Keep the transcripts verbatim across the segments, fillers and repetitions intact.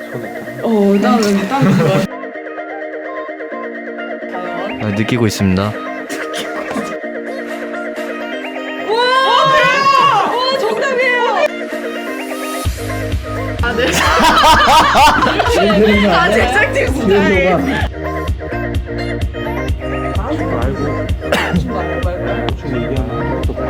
어, 나는 땀 좋아. 과연? 아, 느끼고 있습니다. 와, 오, 정답이에요. 아, 네. 아, 제작진 스타일. 알고 말고 말고. 대충 얘기하면 또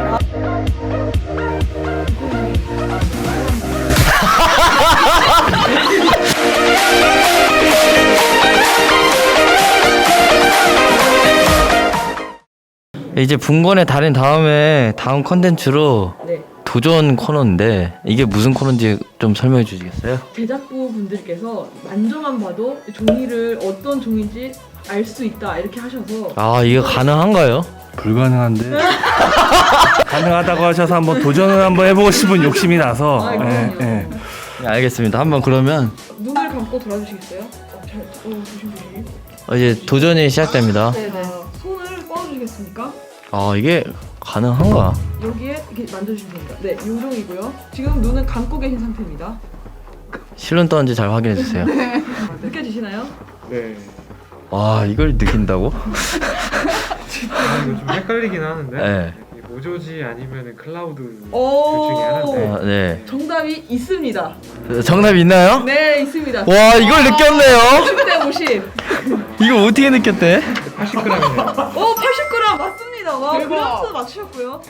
이제 분권의 달인 다음에 다음 컨텐츠로 네. 도전 코너인데 이게 무슨 코너인지 좀 설명해 주시겠어요? 제작부 분들께서 만져만 봐도 종이를 어떤 종인지 알 수 있다 이렇게 하셔서 아, 이거 가능한가요? 불가능한데 가능하다고 하셔서 한번 도전을 한번 해보고 싶은 욕심이 나서 아, 예, 그럼요. 예. 네, 알겠습니다. 한번 그러면 눈을 감고 돌아주시겠어요? 어, 잘, 어, 조심조심. 어, 이제 도전이 시작됩니다. 네네. 손을 뻗어주시겠습니까? 아, 이게 가능한가? 여기에 이렇게 만져주시면 됩니다. 네, 요 종이고요. 지금 눈은 감고 계신 상태입니다. 실눈 떴는지 잘 확인해 주세요. 느껴지시나요? 네. 와, 이걸 느낀다고? 아, 이거 좀 헷갈리긴 하는데. 네. 이게 모조지 아니면 클라우드 둘 오. 중에 하나인데. 아, 네. 정답이 있습니다. 정답 있나요? 네, 있습니다. 와, 이걸 느꼈네요. 오십 대 오십. 이걸 어떻게 느꼈대? 팔십 그램이네요. 오, 팔십 그램 맞습니다. 와, 대박. 그램수 맞추셨고요.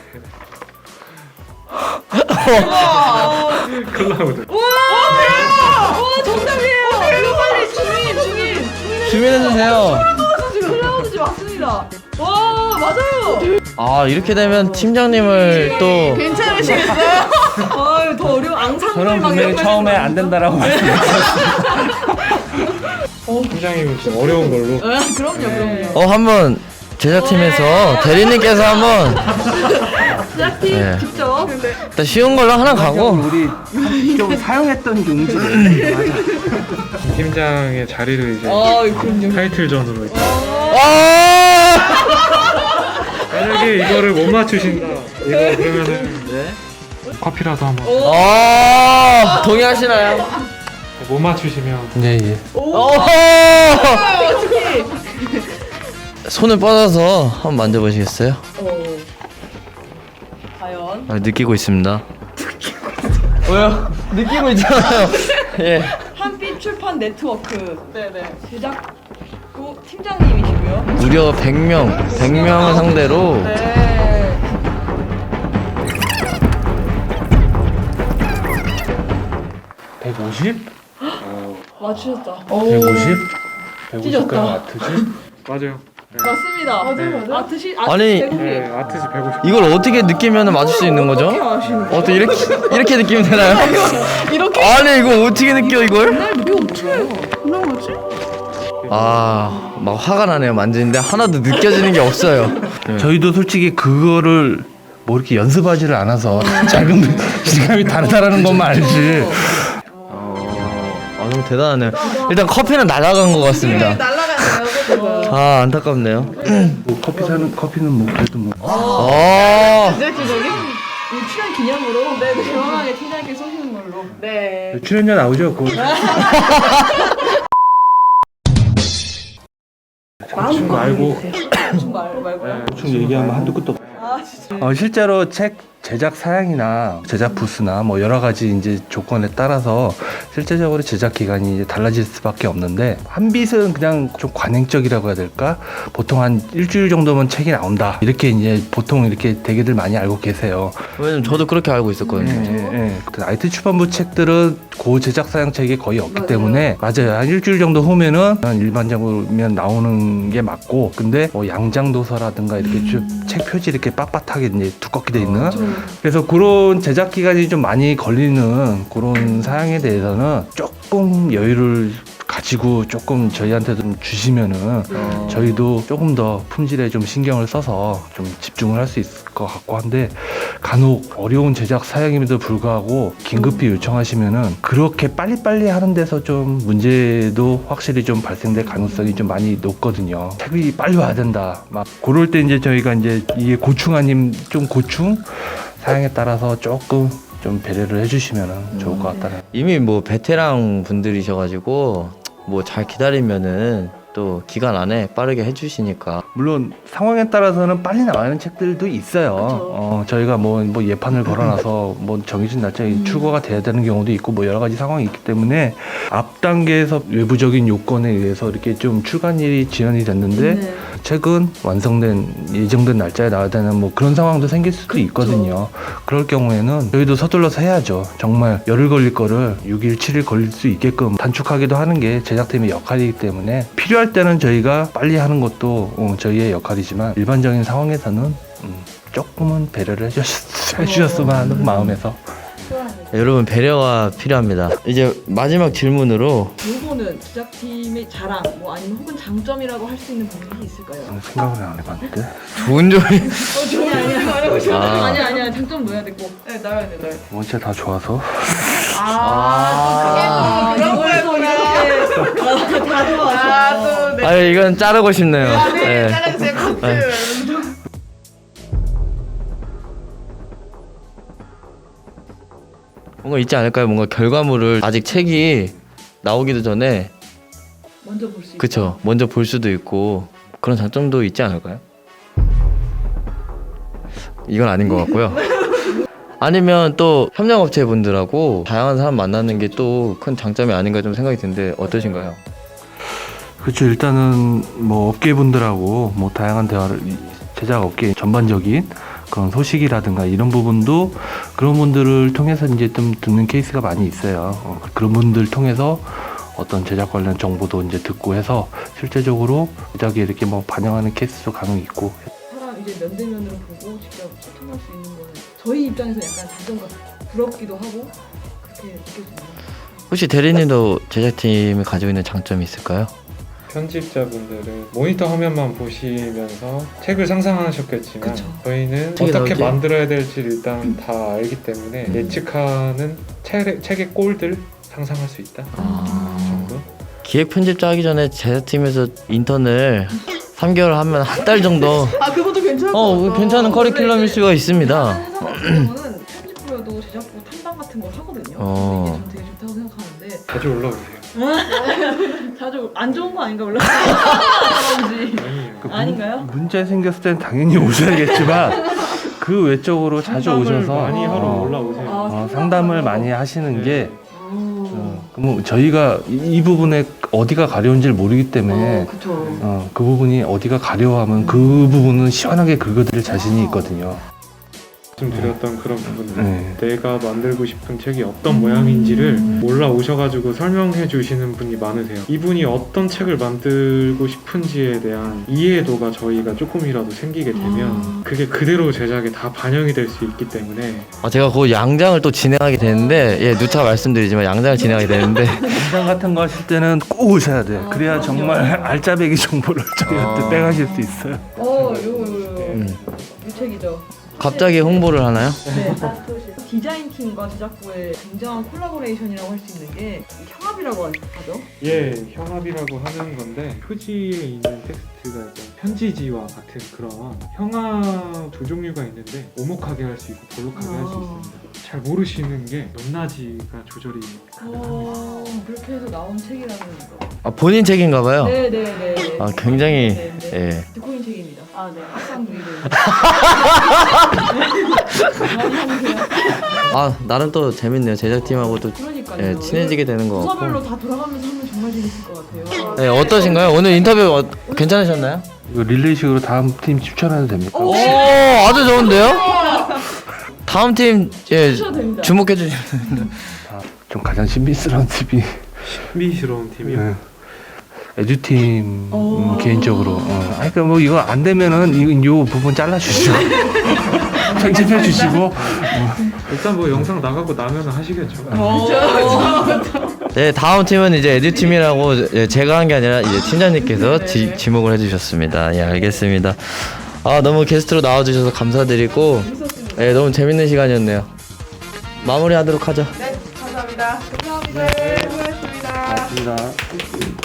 와, 클라우드. 와, 와, 정답이에요. 이거 빨리 주민, 주민. 주민해 주세요. 클라우드지 맞습니다. 와, 맞아요. 아, 이렇게 되면 팀장님을 또 괜찮으시겠어요? 아유, 더 어려운 앙상블 저는 막 분명히 이런 거 처음에 해주면 안 된다라고 말씀드렸어요. 팀장님은 좀 어려운 걸로. 아, 그럼요, 그럼요. 어, 한번 제작팀에서 대리님께서 한번 제작팀 네. 직접. 일단 쉬운 걸로 하나 가고 우리 좀 사용했던 용지 팀장의 자리를 이제 아, 그럼요. 타이틀전으로. 이렇게. 아! 만약에 이거를 못 맞추신다. 이거 그러면은 네. 커피라도 한번. 아, 동의하시나요? 못 맞추시면. 네, 예. 오! 손을 뻗어서 한번 만져보시겠어요? 어. 과연? 아, 느끼고 있습니다. 왜요? 느끼고 있잖아요. 예. 한빛 출판 네트워크. 네네. 제작부 팀장님이시고요. 무려 백 명, 백 명을 상대로 네. 백오십? 맞추셨다. 백오십? 백오십 그램 찢었다. 아트지? 맞아요. 네. 맞습니다. 맞아요, 맞아요. 아트시 아트 아니, 네, 아트지 백오십. 이걸 어떻게 느끼면 맞출 수 있는 거죠? 어떻게 아시는 거예요? 어떻게 이렇게 이렇게 느끼면 되나요? 이렇게 아니, 이거 어떻게 느껴 이걸? 왜 없어요? 그냥 뭐지? 아, 막 화가 나네요. 만지는데 하나도 느껴지는 게 없어요. 저희도 솔직히 그거를 뭐 이렇게 연습하지를 않아서 작은 질감이 다르다라는 것만 알지. 아, 너무 대단하네요. 일단 커피는 날아간 것 같습니다. 날아가네요. 그거. 아, 안타깝네요. 뭐 커피 사는 커피는 뭐 그래도 뭐. 아, 제작진적인 이 출연 기념으로 네, 시원하게 팀장님께 쏘시는 걸로. 네. 출연료 나오죠? 그거. 마음껏 말고. 대충 말 말고요. 대충 얘기하면 한두 끝도 없어. 아 진짜. 어, 실제로 책 제작 사양이나 제작 부스나 뭐 여러 가지 이제 조건에 따라서 실제적으로 제작 기간이 이제 달라질 수밖에 없는데 한빛은 그냥 좀 관행적이라고 해야 될까? 보통 한 일주일 정도면 책이 나온다. 이렇게 이제 보통 이렇게 대개들 많이 알고 계세요. 왜냐면 저도 그렇게 알고 있었거든요. 예, 예. 그 아이티 출판부 책들은 고 제작 사양 책이 거의 없기 맞아요. 때문에 맞아요. 한 일주일 정도 후면은 일반적으로 나오는 게 맞고, 근데 뭐 양장 도서라든가 이렇게 좀 책 표지 이렇게 빳빳하게 이제 두껍게 돼 있는 그래서 그런 제작 기간이 좀 많이 걸리는 그런 사양에 대해서는 조금 여유를 가지고 조금 저희한테 좀 주시면은 어. 저희도 조금 더 품질에 좀 신경을 써서 좀 집중을 할 수 있을 것 같고 한데, 간혹 어려운 제작 사양임에도 불구하고 긴급히 요청하시면은 그렇게 빨리빨리 하는 데서 좀 문제도 확실히 좀 발생될 가능성이 좀 많이 높거든요. 책이 빨리 와야 된다. 막 그럴 때 이제 저희가 이제 이게 고충 아님 좀 고충 사양에 따라서 조금 좀 배려를 해주시면 좋을 것 같다는. 이미 뭐 베테랑 분들이셔가지고 뭐 잘 기다리면은 또 기간 안에 빠르게 해주시니까. 물론 상황에 따라서는 빨리 나가는 책들도 있어요. 그쵸. 어, 저희가 뭐, 뭐 예판을 걸어놔서 뭐 정해진 날짜에 음. 출고가 돼야 되는 경우도 있고 뭐 여러 가지 상황이 있기 때문에 앞 단계에서 외부적인 요건에 의해서 이렇게 좀 출간일이 지연이 됐는데 네. 책은 완성된 예정된 날짜에 나와야 되는 뭐 그런 상황도 생길 수도 그쵸. 있거든요. 그럴 경우에는 저희도 서둘러서 해야죠. 정말 열흘 걸릴 거를 육 일, 칠 일 걸릴 수 있게끔 단축하기도 하는 게 제작팀의 역할이기 때문에 필요할 때는 저희가 빨리 하는 것도 어, 저희의 역할이지만 일반적인 상황에서는 음, 조금은 배려를 해주셨, 해주셨으면 하는 마음에서. 여러분 배려가 필요합니다. 이제 마지막 질문으로 요거는 제작팀의 자랑 뭐 아니면 혹은 장점이라고 할 수 있는 부분이 있을까요? 저는 생각을 안 해봤는데 좋은 점이 어, 좋은 아니야. 아. 아니야 아니야 장점 넣어야 돼 꼭. 네 넣어야 돼 넣어야 돼. 원체 다 좋아서 아, 그게 또 그런 거구나. 아, 다 좋아하셔. 아 이건 자르고 싶네요. 네. 네. 뭔가 있지 않을까요? 뭔가 결과물을 아직 책이 나오기도 전에 먼저 볼 수 있어. 그쵸 먼저 볼 수도 있고 그런 장점도 있지 않을까요? 이건 아닌 것 같고요. 아니면 또 협력업체 분들하고 다양한 사람 만나는 게 또 큰 장점이 아닌가 좀 생각이 드는데 어떠신가요? 그렇죠. 일단은 뭐 업계분들하고 뭐 다양한 대화를 이 제작 업계 전반적인 그런 소식이라든가 이런 부분도 그런 분들을 통해서 이제 좀 듣는 케이스가 많이 있어요. 어, 그런 분들 통해서 어떤 제작 관련 정보도 이제 듣고 해서 실제적으로 제작에 이렇게 뭐 반영하는 케이스도 간혹 있고. 사람 이제 면대면으로 보고 직접 소통할 수 있는 거는 저희 입장에서 약간 장점 같 부럽기도 하고 그렇게 느껴집니다. 혹시 대리님도 제작팀이 가지고 있는 장점이 있을까요? 편집자분들은 모니터 화면만 보시면서 책을 상상하셨겠지만 그쵸. 저희는 책이 어떻게 나올지? 만들어야 될지 일단 다 알기 때문에 음. 예측하는 책, 책의 꼴들 상상할 수 있다 아... 정도? 기획 편집자 하기 전에 제작팀에서 인턴을 삼 개월 하면 한 달 정도 아 그것도 괜찮을 것 어 같다. 괜찮은 커리큘럼일 수가 있습니다. 회사 같은 경우는 편집부여도 제작부 탐방 같은 걸 하거든요. 어. 근데 이게 전 되게 좋다고 생각하는데 자주 올라오세요. 자주 안 좋은 거 아닌가 올라가는지 아니에요. 그 문- 아닌가요? 문제 생겼을 때는 당연히 오셔야겠지만 그 외적으로 자주 상담을 오셔서 많이 하러 어, 올라오세요. 아, 어, 상담을 많이 하시는 네. 게 오. 어, 그럼 저희가 이, 이 부분에 어디가 가려운지를 모르기 때문에 어, 그쵸. 어, 그 부분이 어디가 가려하면 그 부분은 시원하게 긁어드릴 자신이 있거든요. 말씀드렸던 그런 부분들 네. 내가 만들고 싶은 책이 어떤 모양인지를 올라오셔가지고 설명해 주시는 분이 많으세요. 이분이 어떤 책을 만들고 싶은지에 대한 이해도가 저희가 조금이라도 생기게 되면 아. 그게 그대로 제작에 다 반영이 될 수 있기 때문에 아, 제가 그 양장을 또 진행하게 되는데 예 누차 말씀드리지만 양장을 진행하게 되는데 현장 같은 거 하실 때는 꼭 오셔야 돼요. 그래야 정말 알짜배기 정보를 저희한테 아. 빼가실 수 있어요. 어, 요거 요거 요거. 음. 이 책이죠. 갑자기 홍보를 하나요? 네. 디자인 팀과 제작부의 굉장한 콜라보레이션이라고 할 수 있는 게 형합이라고 하죠. 예 형합이라고 하는 건데 표지에 있는 텍스트가 약간 편지지와 같은 그런 형합 두 종류가 있는데 오목하게 할 수 있고 볼록하게 할 수 아. 있습니다. 잘 모르시는 게 높낮이가 조절이 가능합니다. 어, 그렇게 해서 나온 책이라는 거. 아 본인 책인가봐요. 네네네. 아 굉장히 네, 네. 예. 듣고 있는 책입니다. 아 네. 학상 누이를. 아 나름 또 재밌네요. 제작팀하고 또 그러니까요. 예, 친해지게 되는 거 부서별로 같고. 다 돌아가면서 하면 정말 재밌을 것 같아요. 네, 어떠신가요? 오늘 인터뷰 어, 괜찮으셨나요? 이거 릴레이식으로 다음 팀 추천해도 됩니까? 오 아주 좋은데요? 다음 팀 예, 주셔도 됩니다. 주목해 주시면 아, 좀 가장 신비스러운 팀이 신비스러운 팀이요. 네. 에듀팀 오. 음, 개인적으로. 어. 아니 그러니까 뭐 이거 안 되면은 이, 요 부분 잘라주시고 편집해 주시고. 일단 뭐 영상 나가고 나면 하시겠죠. 네 다음 팀은 이제 에듀 팀이라고 예, 제가 한 게 아니라 이제 팀장님께서 지, 지목을 해주셨습니다. 예 알겠습니다. 아 너무 게스트로 나와주셔서 감사드리고 예 너무 재밌는 시간이었네요. 마무리하도록 하죠. 맞습니다.